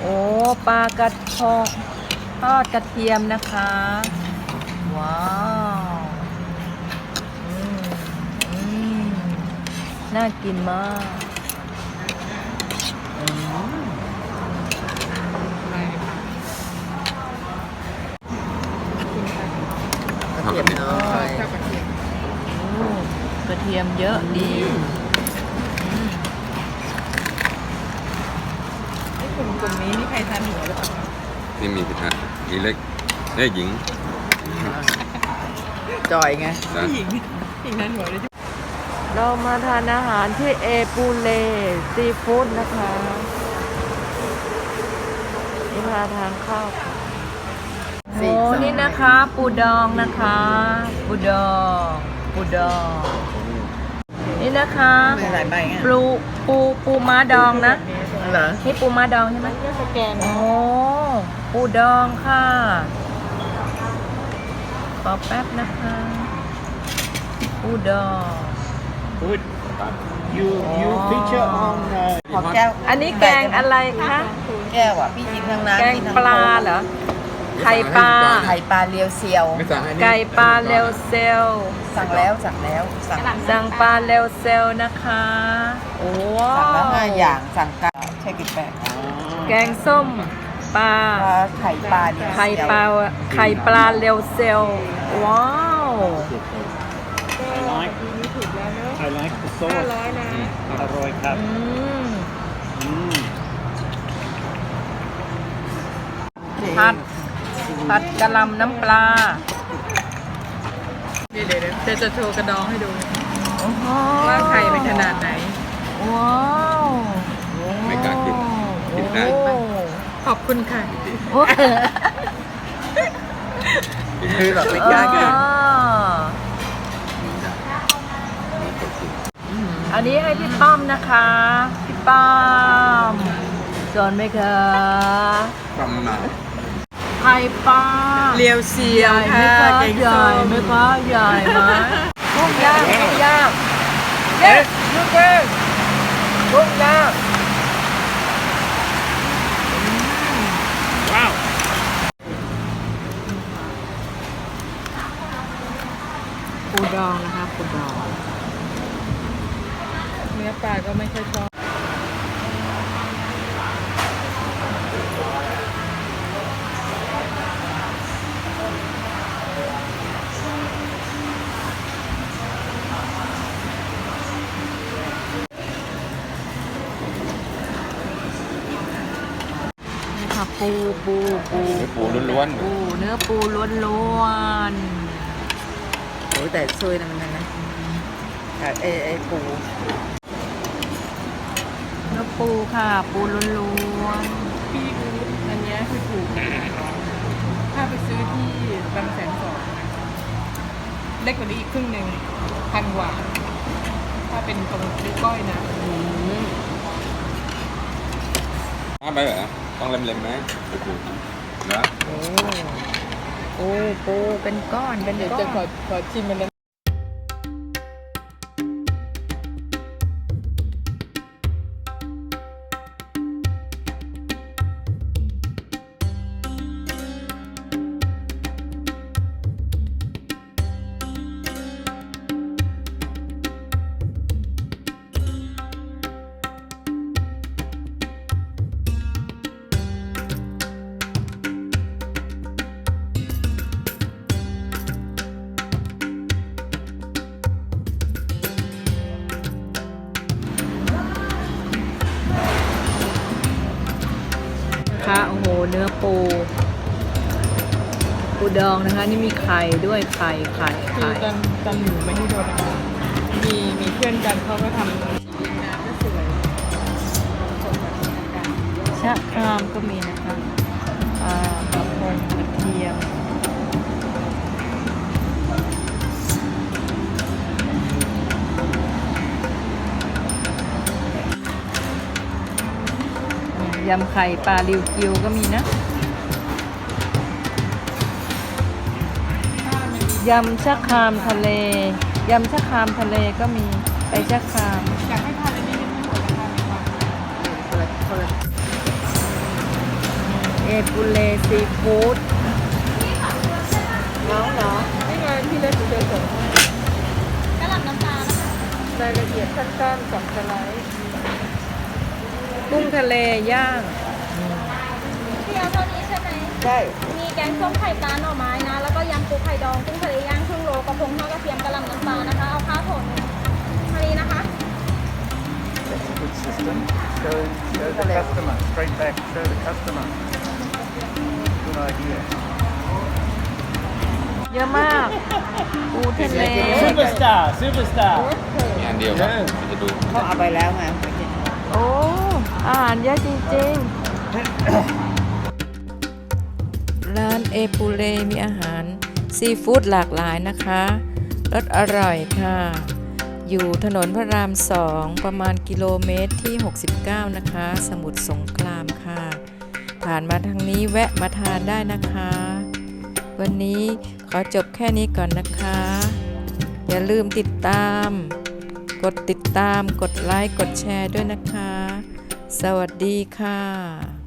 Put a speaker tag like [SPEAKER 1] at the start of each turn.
[SPEAKER 1] โอ้ปลากระพงทอดกระเทียมนะคะว้าวอืมน่ากินมาก
[SPEAKER 2] กระเทียมน้อย
[SPEAKER 1] กระเทียมเยอะดีกลุ่มนี้นี่ใครทานหัวหรือเปล่า
[SPEAKER 3] นี่มีพิธามีเล็กหญิง
[SPEAKER 2] จอยไง
[SPEAKER 1] หญิงทานหัวเลยเรามาทานอาหารที่เอปูเลซีฟู้ดนะคะนี่มาทานข้าวโอ้นี่นะคะปูดองนะคะปูดองนี่นะคะปูม้าดองนะนี่ปูม้าดองใช่ไหมสแกนโอ้ปูดองค่ะรอแป๊บนะคะปูดอง
[SPEAKER 4] Good. You feature on
[SPEAKER 2] ขอแก้ว
[SPEAKER 1] อันนี้แกงอะไรคะ
[SPEAKER 2] แก้วอ่ะพี่กินทั้งน้ำ
[SPEAKER 1] แกงปลาเหรอไข่ปลา
[SPEAKER 2] เรียวเซียว
[SPEAKER 1] ไก่ปลาเรียวเซล
[SPEAKER 2] สั่งแล้ว
[SPEAKER 1] สั่งปลาเรียวเซลนะคะโอ้
[SPEAKER 2] สั่งแล้ว5 อย่างสั่งกันใช่กี่แปด
[SPEAKER 1] แกงส้มปลา
[SPEAKER 2] ไข่ปลา
[SPEAKER 1] เรียวเซลว้าว
[SPEAKER 4] I like the sauce อร่อยครับ
[SPEAKER 1] ผัดกะหล่ำน้ำปลาเดี๋ยวจะโชว์กระดองให้ดูว่าไข่เป็นขนาดไหนว้าว
[SPEAKER 3] ไม่กล้ากินได้
[SPEAKER 1] ขอบคุณค่ะ
[SPEAKER 2] คือแบบไม่กล้ากิน
[SPEAKER 1] อันนี้ให้พี่ป้อมนะคะพี่ป้อมสอนไหมคะ
[SPEAKER 3] ป้อมมา
[SPEAKER 1] ไข่ปลา
[SPEAKER 2] เรียวเซียวค่ะ
[SPEAKER 1] ใหญ่ไหมคะใหญ่ไหมกุ้งย่างเด็ดลูกเด็ดกุ้งย่าง
[SPEAKER 4] ว้าว
[SPEAKER 1] ปูดองนะคะปูดองเนื้อปลาก็ไม่ค่อยชอบนี่ค่ะปู
[SPEAKER 3] ล้วน
[SPEAKER 1] เนื้อปูล้วน
[SPEAKER 2] โอ้แต่ช่วยนะมันนะไอ้ปู
[SPEAKER 1] เนื้อปูค่ะปูล้วนพี่ดูอันนี้คือถูกถ้าไปซื้อที่บางแสน2เล็กกว่านี้อีกครึ่งหนึ่ง1,000 กว่าถ้าเป็นตรงนิ้วก้อยนะ
[SPEAKER 3] ไปเหรอต้องเล็มๆไหมนะ
[SPEAKER 1] ปูเป็นก้อนเป็นก้อนเดี๋ยวจะขอชิมมันโอ้โหเนื้อปูดองนะคะนี่มีไข่ด้วยไข่กันหนูไม่ให้โดนมีเพื่อนกันเขาก็ทำน้ำก็สวยชะครามก็มีนะคะกระพงกระเทียมยำไข่ปลาริวกิวก็มีนะยำชะครามทะเลก็มีไปชะครามอยากให้ทานอันนี้ไม่หมดนะคะปูเลซีฟู้ด
[SPEAKER 2] น้องเนาะ
[SPEAKER 1] นี่ไงที่เล่นดูเดินสด
[SPEAKER 5] กระหล่ำน้ำปลานะคะ
[SPEAKER 1] รายละเอียดสั้นๆ2สไลด์กุ้งทะเลย่าง
[SPEAKER 5] พี่เอาเท่านี้ใช่ไหม
[SPEAKER 2] ใช่
[SPEAKER 5] มีแกงส้มไข่ปลาหน่อไม้นะ แล้วก็ยำปูไข่ดองกุ้งทะเลย่างครึ่งโลกระพงทอดกระเทียมกระหล่ำน้ำปลานะคะ เอาข้าวโถนเท่านี้นะคะ
[SPEAKER 4] That's a good system. Show the customer. Straight back. Show the customer. Good idea.
[SPEAKER 1] เยอะมาก ปูทะเล
[SPEAKER 4] Superstar. Superstar.
[SPEAKER 3] มีอันเดียวครับจะดู
[SPEAKER 2] เขาเอาไปแล้วไง
[SPEAKER 1] โอ้ อาหารเยอะจริงๆ ร้านเอปูเลมีอาหารซีฟู้ดหลากหลายนะคะรสอร่อยค่ะ อยู่ถนนพระราม 2 ประมาณกิโลเมตรที่ 69 นะคะ สมุทรสงครามค่ะ ผ่านมาทางนี้แวะมาทานได้นะคะ วันนี้ขอจบแค่นี้ก่อนนะคะ อย่าลืมติดตาม กดติดตาม กดไลค์ กดแชร์ด้วยนะคะ สวัสดีค่ะ